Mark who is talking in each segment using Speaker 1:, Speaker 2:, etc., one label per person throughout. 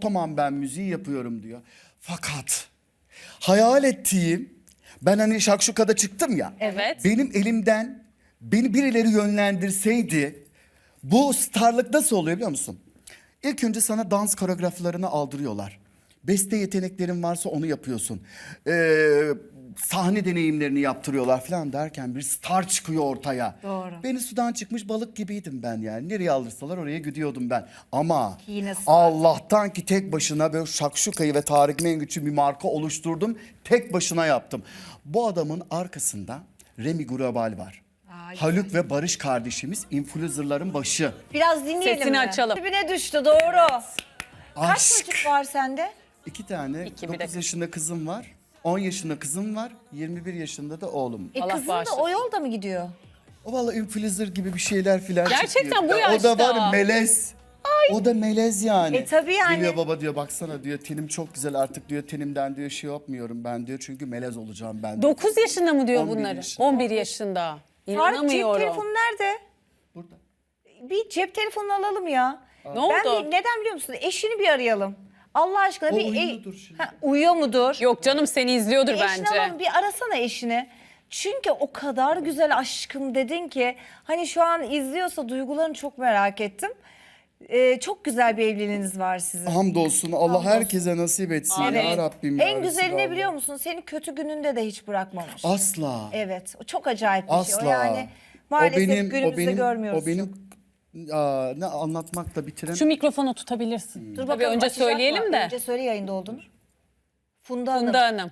Speaker 1: tamam ben müziği yapıyorum diyor. Fakat hayal ettiğim, ben hani Şakşuka'da çıktım ya.
Speaker 2: Evet.
Speaker 1: Benim elimden beni birileri yönlendirseydi, bu starlık nasıl oluyor biliyor musun? İlk önce sana dans koreograflarını aldırıyorlar. Beste yeteneklerin varsa onu yapıyorsun. Sahne deneyimlerini yaptırıyorlar falan derken bir star çıkıyor ortaya.
Speaker 3: Doğru.
Speaker 1: Beni sudan çıkmış balık gibiydim ben yani. Nereye alırsalar oraya gidiyordum ben. Ama
Speaker 3: Yine star.
Speaker 1: Allah'tan ki tek başına böyle Şakşuka'yı ve Tarık Mengüç'ü bir marka oluşturdum. Tek başına yaptım. Bu adamın arkasında Remi Gurabal var. Haluk ve Barış kardeşimiz influencerların başı.
Speaker 3: Biraz dinleyelim
Speaker 2: Sesini
Speaker 3: mi?
Speaker 2: açalım.
Speaker 3: Dibine düştü doğru. Kaç
Speaker 1: Aşk.
Speaker 3: çocuk var sende?
Speaker 1: 2 tane,
Speaker 2: İki, bir
Speaker 1: 9
Speaker 2: dakika.
Speaker 1: yaşında kızım var. 10 yaşında kızım var. 21 yaşında da oğlum.
Speaker 2: Allah
Speaker 3: Kızın da
Speaker 2: bağışlasın.
Speaker 3: o yolda mı gidiyor?
Speaker 1: O valla influencer gibi bir şeyler filan
Speaker 2: Gerçekten
Speaker 1: çıkıyor.
Speaker 2: bu
Speaker 1: O da
Speaker 2: yaşta.
Speaker 1: var ya, melez. O da melez yani.
Speaker 3: Tabii yani.
Speaker 1: Geliyor baba diyor baksana diyor tenim çok güzel artık diyor tenimden diyor şey yapmıyorum ben diyor çünkü melez olacağım ben.
Speaker 2: 9 yaşında mı diyor
Speaker 1: 11
Speaker 2: bunları?
Speaker 1: yaşında.
Speaker 2: 11 yaşında.
Speaker 3: Tarık cep
Speaker 2: İnanamıyorum.
Speaker 3: telefonu nerede?
Speaker 1: Burada.
Speaker 3: Bir cep telefonu alalım ya.
Speaker 2: Ne
Speaker 3: Ben
Speaker 2: oldu?
Speaker 3: neden biliyor musun? Eşini bir arayalım. Allah aşkına
Speaker 1: O
Speaker 3: bir
Speaker 1: uyuyordur şimdi.
Speaker 3: uyuyor mudur?
Speaker 2: Yok canım seni izliyordur
Speaker 3: Eşini
Speaker 2: bence.
Speaker 3: alalım, bir arasana eşini. Çünkü o kadar güzel aşkım dedin ki hani şu an izliyorsa duygularını çok merak ettim. Çok güzel bir evliliğiniz var sizin.
Speaker 1: Hamdolsun Allah herkese nasip etsin
Speaker 2: Amin.
Speaker 1: ya Rabbim. ya
Speaker 3: En güzeli ne
Speaker 1: Resulallah.
Speaker 3: biliyor musun? Seni kötü gününde de hiç bırakmamış.
Speaker 1: Asla.
Speaker 3: Evet, o çok acayip bir şey.
Speaker 1: Asla.
Speaker 3: O yani maalesef günümüzde görmüyoruz.
Speaker 1: O benim ne anlatmakla bitirem.
Speaker 2: Şu mikrofonu tutabilirsin.
Speaker 3: Dur
Speaker 2: Tabii
Speaker 3: bakalım,
Speaker 2: önce
Speaker 3: açacak
Speaker 2: söyleyelim
Speaker 3: mı?
Speaker 2: de.
Speaker 3: Önce söyle yayında olduğunu. Funda Hanım.
Speaker 2: Funda Hanım.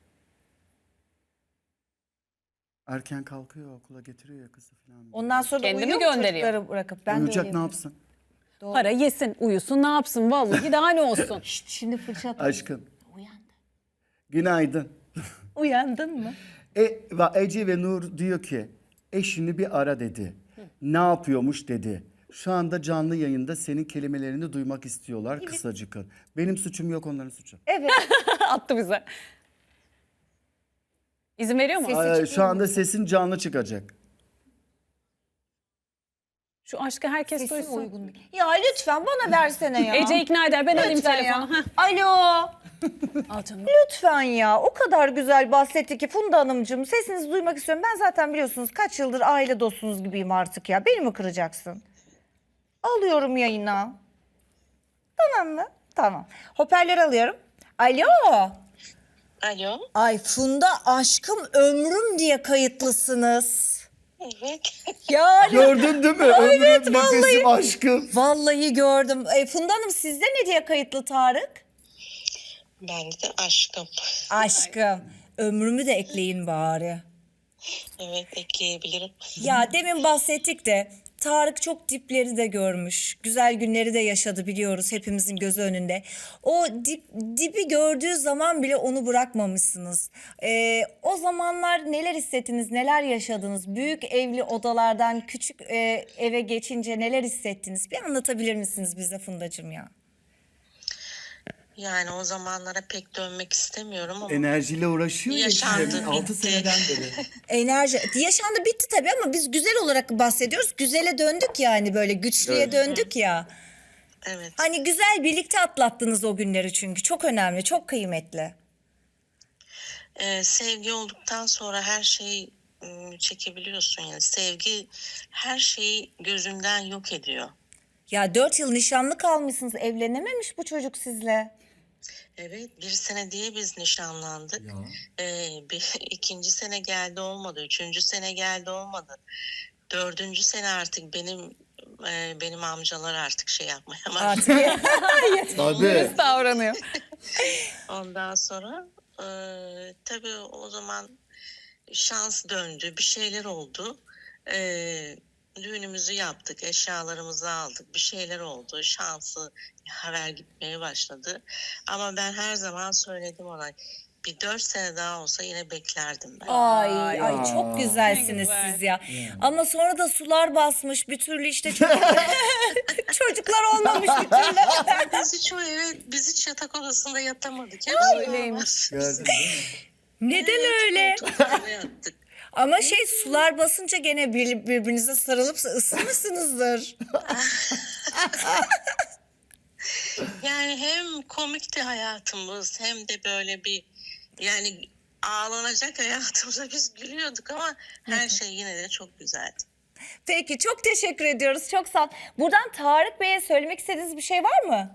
Speaker 1: Erken kalkıyor okula getiriyor ya kızı falan.
Speaker 3: Ondan sonra da
Speaker 2: Kendimi
Speaker 3: uyuyor mu
Speaker 2: gönderiyor.
Speaker 3: çocukları bırakıp? Ben de
Speaker 1: Uyuyacak
Speaker 3: öyleyim.
Speaker 1: ne yapsın?
Speaker 2: Para yesin, uyusun, ne yapsın? Vallahi daha ne olsun.
Speaker 3: Şşt, şimdi fırça at.
Speaker 1: Aşkım.
Speaker 3: Uyandı.
Speaker 1: Günaydın.
Speaker 3: Uyandın mı?
Speaker 1: Ece ve Nur diyor ki eşini bir ara dedi. Ne yapıyormuş dedi. Şu anda canlı yayında senin kelimelerini duymak istiyorlar kısacık. Benim suçum yok onların suçu.
Speaker 3: Evet.
Speaker 2: Attı bize. İzin veriyor mu?
Speaker 3: Sesi
Speaker 1: Şu anda sesin canlı çıkacak.
Speaker 2: Şu aşkı herkes
Speaker 3: Sesin
Speaker 2: duysun.
Speaker 3: uygun değil. Ya lütfen bana versene ya.
Speaker 2: Ece ikna eder. Ben alayım
Speaker 3: Lütfen
Speaker 2: telefonu.
Speaker 3: ya.
Speaker 2: Heh.
Speaker 3: Alo.
Speaker 2: Al canım.
Speaker 3: Lütfen ya. O kadar güzel bahsetti ki Funda Hanımcığım. Sesinizi duymak istiyorum. Ben zaten biliyorsunuz kaç yıldır aile dostunuz gibiyim artık ya. Beni mi kıracaksın? Alıyorum yayına. Tamam mı? Tamam. Hoparlör alıyorum. Alo.
Speaker 4: Alo.
Speaker 3: Ay Funda aşkım ömrüm diye kayıtlısınız.
Speaker 4: Evet.
Speaker 3: Yani
Speaker 1: Gördün değil mi? Ömrüm nefesim aşkım.
Speaker 3: vallahi gördüm. Funda Hanım sizde ne diye kayıtlı Tarık?
Speaker 4: Ben de aşkım.
Speaker 3: Aşkım. Ömrümü de ekleyin bari.
Speaker 4: Evet, ekleyebilirim.
Speaker 3: Ya demin bahsettik de Tarık çok dipleri de görmüş. Güzel günleri de yaşadı biliyoruz hepimizin gözü önünde. O dibi gördüğü zaman bile onu bırakmamışsınız. O zamanlar neler hissettiniz, neler yaşadınız? Büyük evli odalardan küçük eve geçince neler hissettiniz? Bir anlatabilir misiniz bize Fundacığım ya?
Speaker 4: Yani o zamanlara pek dönmek istemiyorum ama
Speaker 1: Enerjiyle uğraşıyor ya
Speaker 4: Yaşandı,
Speaker 1: işte 6
Speaker 4: bitti.
Speaker 1: seneden beri.
Speaker 3: Enerji yaşandı bitti tabii ama biz güzel olarak bahsediyoruz. Güzele döndük yani böyle güçlüye
Speaker 1: Evet.
Speaker 3: döndük ya.
Speaker 4: evet.
Speaker 3: Hani güzel birlikte atlattınız o günleri çünkü çok önemli, çok kıymetli.
Speaker 4: Sevgi olduktan sonra her şeyi çekebiliyorsun yani. Sevgi her şeyi gözünden yok ediyor.
Speaker 3: Ya 4 yıl nişanlı kalmışsınız, evlenememiş bu çocuk sizle.
Speaker 4: Evet, 1 sene diye biz nişanlandık. İkinci sene geldi olmadı, 3. sene geldi olmadı. 4. sene artık benim amcalar artık şey yapmaya başladı.
Speaker 3: Artık
Speaker 1: Tabii.
Speaker 2: Davranıyor.
Speaker 4: Ondan sonra tabii o zaman şans döndü, bir şeyler oldu. Düğünümüzü yaptık, eşyalarımızı aldık, bir şeyler oldu. Şansı haber gitmeye başladı. Ama ben her zaman söyledim ona, bir 4 sene daha olsa yine beklerdim ben.
Speaker 3: ay çok güzelsiniz
Speaker 2: Ne güzel.
Speaker 3: siz ya. Ama sonra da sular basmış bir türlü işte çocuklar olmamış bir türlü.
Speaker 4: Biz hiç yatak odasında yatamadık.
Speaker 2: Öyleymiş.
Speaker 1: Gördün değil mi?
Speaker 3: Neden öyle?
Speaker 4: Koltuklarda yattık.
Speaker 3: Ama sular basınca gene birbirinize sarılıp ısınmışsınızdır.
Speaker 4: Yani hem komikti hayatımız hem de böyle bir yani ağlanacak hayatımıza biz gülüyorduk ama her şey yine de çok güzeldi.
Speaker 3: Peki çok teşekkür ediyoruz. Çok sağ ol. Buradan Tarık Bey'e söylemek istediğiniz bir şey var mı?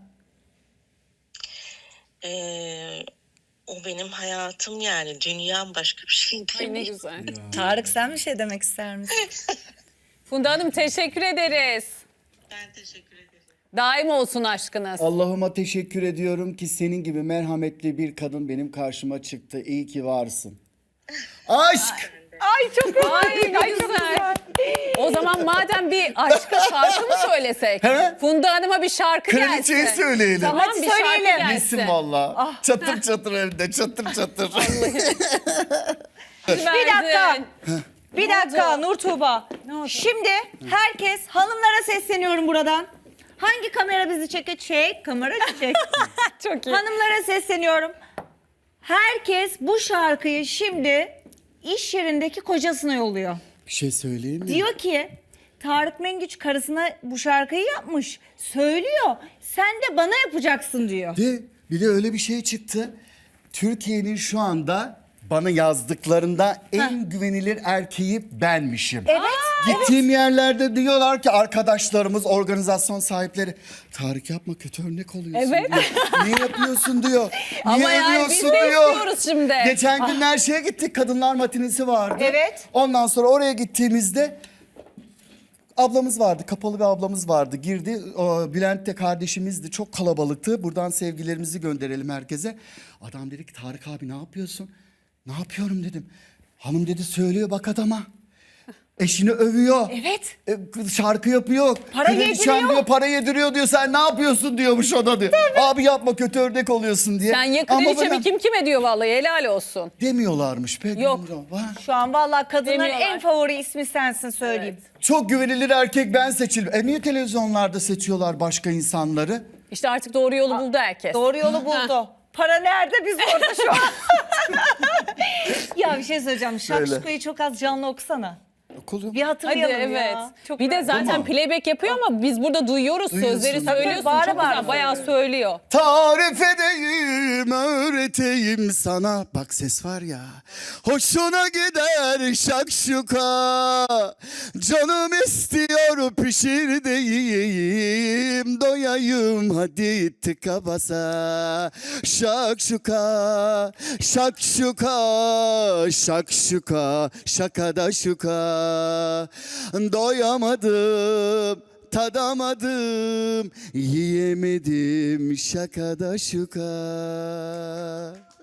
Speaker 4: O benim hayatım yani dünyam başka bir şey
Speaker 2: Ay ne
Speaker 4: değil.
Speaker 2: güzel.
Speaker 3: Tarık sen bir şey demek ister misin?
Speaker 2: Funda Hanım teşekkür ederiz.
Speaker 4: Ben teşekkür ederim.
Speaker 2: Daim olsun aşkınız.
Speaker 1: Allah'ıma teşekkür ediyorum ki senin gibi merhametli bir kadın benim karşıma çıktı. İyi ki varsın. Aşk!
Speaker 2: Ay çok Ay ne güzel. O zaman madem bir aşkı şarkı mı söylesek?
Speaker 1: He?
Speaker 2: Funda Hanım'a bir şarkı gelsin.
Speaker 1: Kraliçeyi söyleyelim.
Speaker 2: Tamam
Speaker 3: Hadi
Speaker 2: bir şarkı
Speaker 3: söyleyelim.
Speaker 2: gelsin.
Speaker 1: Yesin valla. Çatır çatır evde, çatır çatır.
Speaker 3: Bir dakika. Bir
Speaker 2: Ne
Speaker 3: dakika
Speaker 2: oldu?
Speaker 3: Nur Tuğba.
Speaker 2: Ne oldu?
Speaker 3: Şimdi herkes hanımlara sesleniyorum buradan. Hangi kamera bizi çekecek? Kamera çek.
Speaker 2: Çok iyi.
Speaker 3: Hanımlara sesleniyorum. Herkes bu şarkıyı şimdi iş yerindeki kocasına yolluyor.
Speaker 1: Bir şey söyleyeyim mi?
Speaker 3: Diyor ki Tarık Mengüç karısına bu şarkıyı yapmış. Söylüyor. Sen de bana yapacaksın diyor.
Speaker 1: Bir de öyle bir şey çıktı. Türkiye'nin şu anda bana yazdıklarında en güvenilir erkeği benmişim.
Speaker 3: Evet.
Speaker 1: Gittiğim yerlerde diyorlar ki arkadaşlarımız, organizasyon sahipleri Tarık yapma kötü örnek oluyorsun
Speaker 2: Evet.
Speaker 1: diyor. Niye yapıyorsun diyor. Niye
Speaker 2: Ama yani biz
Speaker 1: övüyorsun
Speaker 2: de
Speaker 1: diyor.
Speaker 2: istiyoruz şimdi.
Speaker 1: Geçen gün her şeye gittik. Kadınlar matinesi vardı.
Speaker 3: Evet.
Speaker 1: Ondan sonra oraya gittiğimizde ablamız vardı. Kapalı bir ablamız vardı. Girdi. O, Bülent de kardeşimizdi. Çok kalabalıktı. Buradan sevgilerimizi gönderelim herkese. Adam dedi ki Tarık abi ne yapıyorsun? Ne yapıyorum dedim. Hanım dedi söylüyor bak adama. Eşini övüyor.
Speaker 3: Evet.
Speaker 1: Şarkı yapıyor.
Speaker 3: Para
Speaker 1: Kraliçem
Speaker 3: yediriyor.
Speaker 1: diyor, para yediriyor diyor. Sen ne yapıyorsun diyormuş o da diyor. Abi yapma kötü örnek oluyorsun diye.
Speaker 2: Sen ya
Speaker 1: Ama
Speaker 2: kraliçe
Speaker 1: bana
Speaker 2: mi kim kime diyor vallahi helal olsun.
Speaker 1: demiyorlarmış. Pek
Speaker 2: Yok.
Speaker 1: Var.
Speaker 3: Şu an vallahi kadınların
Speaker 2: Demiyorlar.
Speaker 3: en favori ismi sensin söyleyeyim.
Speaker 1: Çok güvenilir erkek ben seçildim. Niye televizyonlarda seçiyorlar başka insanları?
Speaker 2: İşte artık doğru yolu buldu herkes.
Speaker 3: Doğru yolu buldu. Para nerede biz orada şu an. Ya bir şey söyleyeceğim. Şakşuka'yı çok az canlı okusana.
Speaker 1: Okulu.
Speaker 3: Bir
Speaker 2: Hadi
Speaker 3: hatırlayalım
Speaker 2: evet.
Speaker 3: ya. Çok
Speaker 2: Bir de zaten
Speaker 1: Tamam.
Speaker 2: playback yapıyor ama biz burada duyuyoruz
Speaker 1: Duyuyorsun.
Speaker 2: sözleri
Speaker 1: Tabii,
Speaker 2: söylüyorsun.
Speaker 3: bağıra
Speaker 2: Çok
Speaker 3: bağıra
Speaker 2: güzel bayağı
Speaker 3: söylüyor.
Speaker 2: söylüyor.
Speaker 1: Tarif edeyim, öğreteyim sana. Bak ses var ya. Hoşuna gider şakşuka. Canım istiyor pişir de yiyeyim. Doyayım hadi tıka basa. Şakşuka, şakşuka, şakşuka, şakada şuka. Doyamadım. Tadamadım, yiyemedim şakada şuka.